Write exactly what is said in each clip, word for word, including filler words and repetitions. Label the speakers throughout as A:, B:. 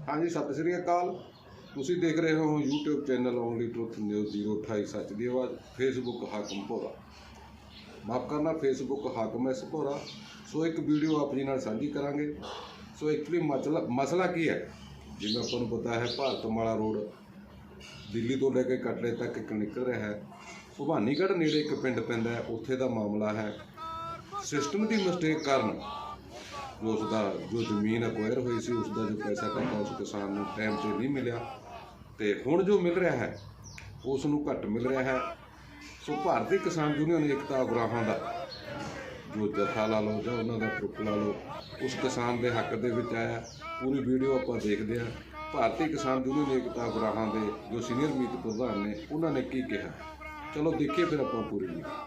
A: हाँ जी, सत श्री अकाल। तुसी देख रहे हो YouTube channel only truth news zero अठाई सच की आवाज़। फेसबुक हाकम भोरा, माफ करना फेसबुक हाकम एस भोरा। सो एक वीडियो आप जी नाल साझी करांगे। सो एक्चुअली मसला मसला की है, जिवें आपां नूं पता है भारतमाला रोड दिल्ली तो लेके कटड़े तक एक निकल रहा है। भवानीगढ़ नेड़े एक पिंड पैंदा है, उत्थे दा मामला है सिस्टम की मिसटेक कारण जो उसका जो जमीन अक्वायर हुई सी उसका जो पैसा टका उस किसान को टाइम से नहीं मिला, तो हुण जो मिल रहा है उसनूं घट मिल रहा है। सो भारतीय किसान यूनियन एकता उगराहां का जो जत्था ला लो जां उन्हां दा ग्रुप ला लो, उस किसान के हक दे विच आया। पूरी वीडियो आपां देखदे हां। भारतीय किसान यूनियन एकता उगराहां दे जो सीनियर मीत प्रधान ने उन्होंने की कहा, चलो देखिए फिर आपां पूरी वीडियो।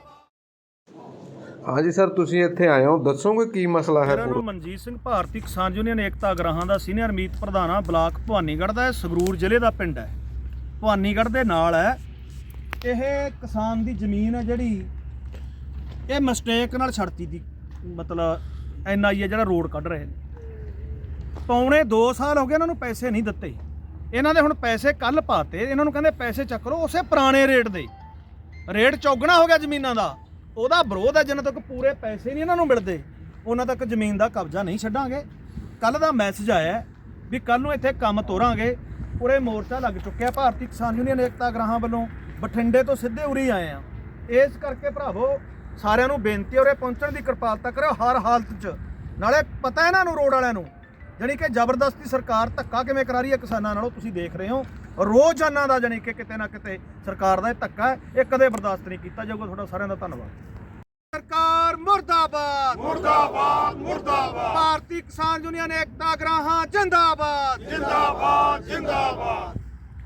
A: हाँ जी सर, तुसीं इत्थे आए हो, दसोगे की मसला है?
B: मेरा नाम मनजीत सिंह, भारतीय किसान यूनियन एकता उगराहां ਦਾ ਸੀਨੀਅਰ ਮੀਤ ਪ੍ਰਧਾਨ ਆ। ਬਲਾਕ ਭਵਾਨੀਗੜ੍ਹ ਦਾ, ਸੰਗਰੂਰ ਜ਼ਿਲ੍ਹੇ ਦਾ ਪਿੰਡ ਹੈ। ਭਵਾਨੀਗੜ੍ਹ ਦੇ ਨਾਲ ਹੈ। ਇਹ ਕਿਸਾਨ ਦੀ ਜ਼ਮੀਨ ਹੈ ਜਿਹੜੀ ਇਹ ਮਿਸਟੇਕ ਨਾਲ ਛੜਤੀ ਦੀ, ਮਤਲਬ ਐਨ ਆਈ ਹੈ ਜਿਹੜਾ ਰੋਡ ਕੱਢ ਰਹੇ ਨੇ। ਪੌਣੇ ਦੋ ਸਾਲ ਹੋ ਗਏ ਇਹਨਾਂ ਨੂੰ ਪੈਸੇ ਨਹੀਂ ਦਿੱਤੇ। ਇਹਨਾਂ ਦੇ ਹੁਣ ਪੈਸੇ ਕੱਲ ਪਾਤੇ, ਇਹਨਾਂ ਨੂੰ ਕਹਿੰਦੇ ਪੈਸੇ ਚੱਕ ਲਓ ਉਸੇ ਪੁਰਾਣੇ ਰੇਟ ਦੇ। ਰੇਟ ਚੌਗਣਾ ਹੋ ਗਿਆ ਜ਼ਮੀਨਾਂ ਦਾ। ਉਹਦਾ ਵਿਰੋਧ ਹੈ, ਜਿੰਨਾ ਤੱਕ ਪੂਰੇ ਪੈਸੇ ਨਹੀਂ ਇਹਨਾਂ ਨੂੰ ਮਿਲਦੇ ਉਹਨਾਂ ਤੱਕ ਜ਼ਮੀਨ ਦਾ ਕਬਜ਼ਾ ਨਹੀਂ ਛੱਡਾਂਗੇ। ਕੱਲ ਦਾ ਮੈਸੇਜ ਆਇਆ ਵੀ ਕੱਲ ਨੂੰ ਇੱਥੇ ਕੰਮ ਤੋਰਾਂਗੇ। ਪੂਰੇ ਮੋਰਚਾ ਲੱਗ ਚੁੱਕਿਆ ਭਾਰਤੀ ਕਿਸਾਨ ਯੂਨੀਅਨ ਏਕਤਾ ਉਗਰਾਹਾਂ ਵੱਲੋਂ। ਬਠਿੰਡੇ ਤੋਂ ਸਿੱਧੇ ਉਰੀ ਆਏ ਆ। ਇਸ ਕਰਕੇ ਭਰਾਵੋ ਸਾਰਿਆਂ ਨੂੰ ਬੇਨਤੀ, ਉਰੇ ਪਹੁੰਚਣ ਦੀ ਕਿਰਪਾਲਤਾ ਕਰਿਓ ਹਰ ਹਾਲਤ 'ਚ। ਨਾਲੇ ਪਤਾ ਇਹਨਾਂ ਨੂੰ ਰੋਡ ਵਾਲਿਆਂ ਨੂੰ ਜਾਣੀ ਕਿ ਜ਼ਬਰਦਸਤੀ ਸਰਕਾਰ ਧੱਕਾ ਕਿਵੇਂ ਕਰਾ ਰਹੀ ਹੈ ਕਿਸਾਨਾਂ ਨਾਲੋਂ, ਤੁਸੀਂ ਦੇਖ ਰਹੇ ਹੋ ਰੋਜ਼ਾਨਾ ਦਾ। ਜਾਣੀ ਕਿ ਕਿਤੇ ਨਾ ਕਿਤੇ ਸਰਕਾਰ ਦਾ ਇਹ ਧੱਕਾ ਹੈ, ਇਹ ਕਦੇ ਬਰਦਾਸ਼ਤ ਨਹੀਂ ਕੀਤਾ ਜਾਊਗਾ। ਤੁਹਾਡਾ ਸਾਰਿਆਂ ਦਾ ਧੰਨਵਾਦ। ਸਰਕਾਰ ਮੁਰਦਾਬਾਦ
C: मुर्दाबाद मुर्दाबाद
B: ਭਾਰਤੀ ਕਿਸਾਨ ਯੂਨੀਅਨ ਏਕਤਾ ਉਗਰਾਹਾਂ ਜਿੰਦਾਬਾਦ
C: जिंदाबाद जिंदाबाद।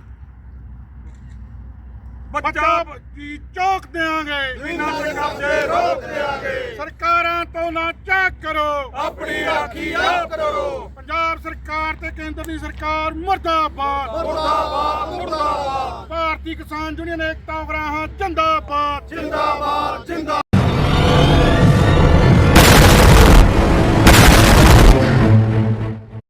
C: बच्चा की चौक देंगे, बिना से कब्जे रोक देंगे। सरकारां तो ना चेक करो, अपनी राखी आप करो। पंजाब सरकार ते केंद्र दी सरकार मुर्दाबाद मुर्दाबाद मुर्दाबाद। भारतीय किसान यूनियन एकता उगराहां जिंदाबाद जिंदाबाद जिंदाबाद।